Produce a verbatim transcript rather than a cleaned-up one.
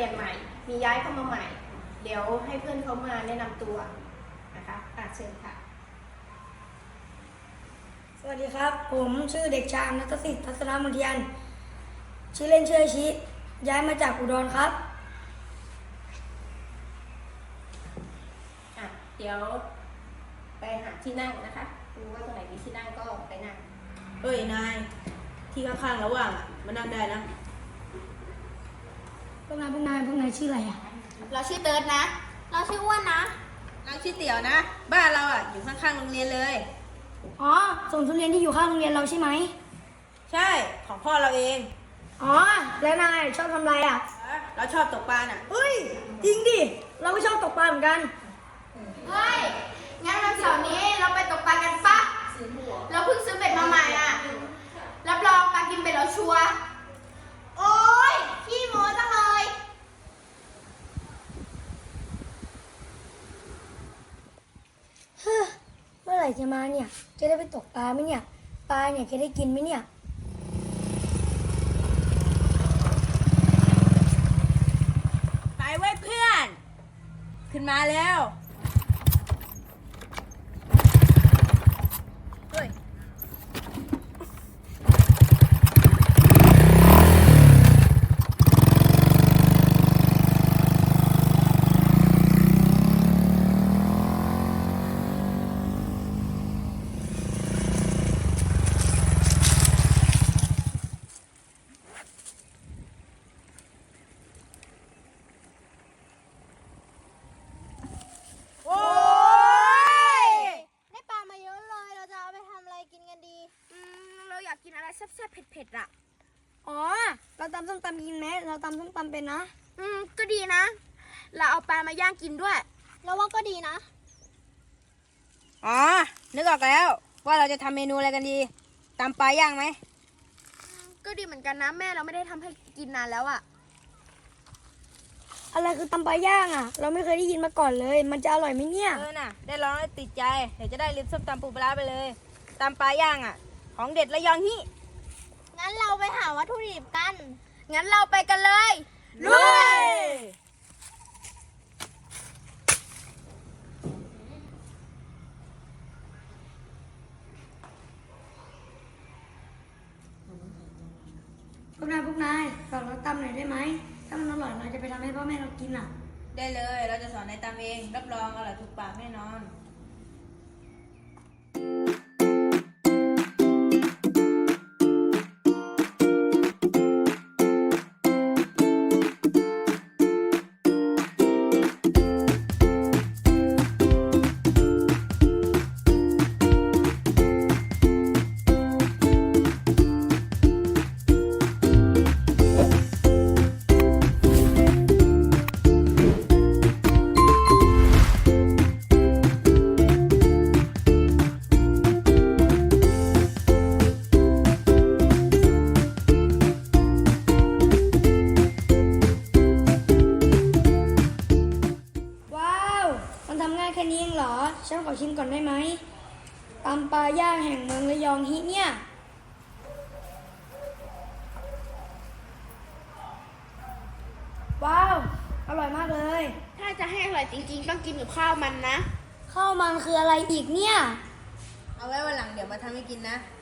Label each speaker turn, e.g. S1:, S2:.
S1: ยนใหม่ มีย้ายเข้ามาใหม่ เดี๋ยวให้เพื่อนเขามาแนะนำตัวนะคะอ่ะเชิญค่ะ
S2: สวัสดีครับ ผมชื่อเด็กชายณัฐสิทธิ์ทัศนมนเทียนชื่อเล่นชื่ออาชิย้ายมาจากอุดรครับ
S1: อ่ะเดี๋ยวไปหาที่นั่งนะคะดูว่าตรงไหนมีที่นั่งก็ไปนั่ง
S3: เอ้ยนายที่ข้างๆระหว่างอ่ะมานั่งได้นะ
S2: พวกนายพวกนายพวกนายชื่ออะไรอ่ะ
S4: เราชื่อเติร์ดนะ เราชื่ออ้วนนะ
S3: เราชื่อเตี๋ยวนะ บ้านเราอ่ะอยู่ข้างๆโรงเรียนเลย
S2: อ๋อส่งทุเรียนที่อยู่ข้างโรงเรียนเราใช่ไหม
S3: ใช่ของพ่อเราเอง
S2: อ๋อแล้วนายชอบทำอะไรอ่ะ
S3: เราชอบตกปลาน่ะ
S2: เฮ้ยจริงดิเราก็ชอบตกปลาเหมือนกัน
S4: เฮ้ย งั้นวันเสาร์นี้เราไปตกปลากันปะเราเพิ่งซื้อเบ็ดมาใหม่อ่ะ รับรองปลากินเบ็ดเราชัวร์โอ๊ยขี้โม้จังเลย
S2: เฮ้อเมื่อไหร่จะมาเนี่ยจะได้ไปตกปลาไหมเนี่ยปลาเนี่ยจะได้กินไหมเนี่ย
S3: ไปไว้เพื่อน ขึ้นมาแล้วเฮ้ยโอ้ย
S4: ได้ปลามาเยอะเลย เราจะเอาไปทำอะไรกินกันดี อืม เราอยากกินอะไรแซ่บๆเผ็ดๆอ่ะ
S2: อ๋อเราตำส้มตำกินไหมเราตำส้มตำเป็นนะ
S4: อืม ก็ดีนะ เราเอาปลามาย่างกินด้วย เราว่าก็ดีนะ
S3: อ๋อ นึกออกแล้วว่าเราจะทำเมนูอะไรกันดีตำปลาย่างไหม
S4: ก็ดีเหมือนกันนะ แม่เราไม่ได้ทำให้กินนานแล้วอ่ะ
S2: อะไรคือตำปลาย่างอ่ะ เราไม่เคยได้ยินมาก่อนเลย มันจะอร่อยไหมเนี่ย
S3: เออน่ะ ได้ลองแล้วติดใจ เดี๋ยวจะได้ลืมส้มตำปูปลาร้าไปเลยตำปลาย่างอ่ะ ของเด็ดระยองฮิ
S4: งั้นเราไปหาวัตถุดิบกัน งั้นเราไปกันเลย
S3: ลุย
S2: พวกนายพวกนายฝากเราตำหน่อยได้ไหมถ้ามันอร่อยเราจะไปทำให้พ่อแม่เรากินอ่ะ
S3: ได้เลย เราจะสอนในตำเอง รับรองอร่อยถูกปากแน่นอน
S2: ว้าวมันทำง่ายแค่นี้เองเหรอฉันขอชิมก่อนได้ไหมตำปลาย่างแห่งเมืองระยองฮิเนี่ยว้าวอร่อยมากเลย
S4: ถ้าจะให้อร่อยจริงๆ ต้องกินกับข้าวมันนะ
S2: ข้าวมันคืออะไรอีกเนี่ย
S3: เอาไว้วันหลังเดี๋ยวมาทำให้กินนะ